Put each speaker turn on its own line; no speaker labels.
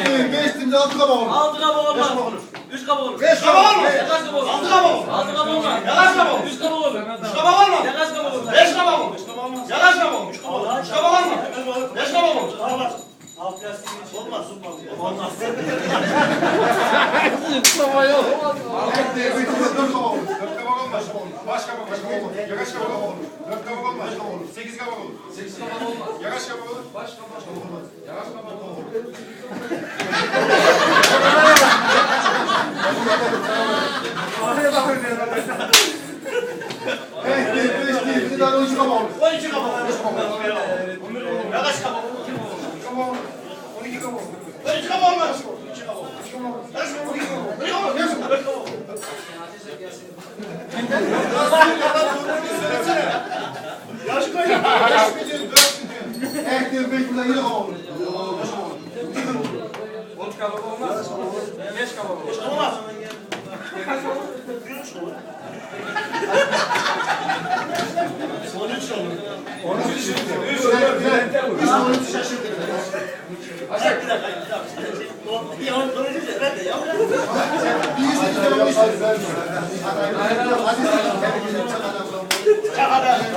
değil, 5 değil, 6 kabak olur.
6 kabak olmaz. 3 kabak olur.
5 kabak olur.
Ya kaç kabak olur?
6 kabak olur.
6 kabak olmaz.
Ya kaç kabak olur?
3 kabak olur.
3 kabak olmaz.
Ya kaç kabak olur?
5 kabak olur. Ya kaç kabak olur? 3 kabak olmaz. 5 kabak olur. Olmaz. Olmaz. Olmaz.
Mustafa yok.
4 kabak olur. 4 kabak olmaz. Baş kabak olur. Ya kaç kabak olur? 4 kabak olmaz. 8 kabak olur. 8 kabak olmaz. Ya kaç kabak olur? Baş kabak olmaz. Ya kaç kabak olur? Evet, 5 değil, bir tane 13 kabak olur. 12 kabak olur. Ya kaç kabak olur? 12 kabak olur. 12 kabak olur. 12 kabak olmaz. 12 kabak olur. 12 kabak olur. 12 kabak olur. Yaş kaç? 5 milyon, 4 milyon. Evet, 5 milyon, 7 kabak olur.
10 kabak olmaz. 5 kabak olur.
Olmaz. Hadi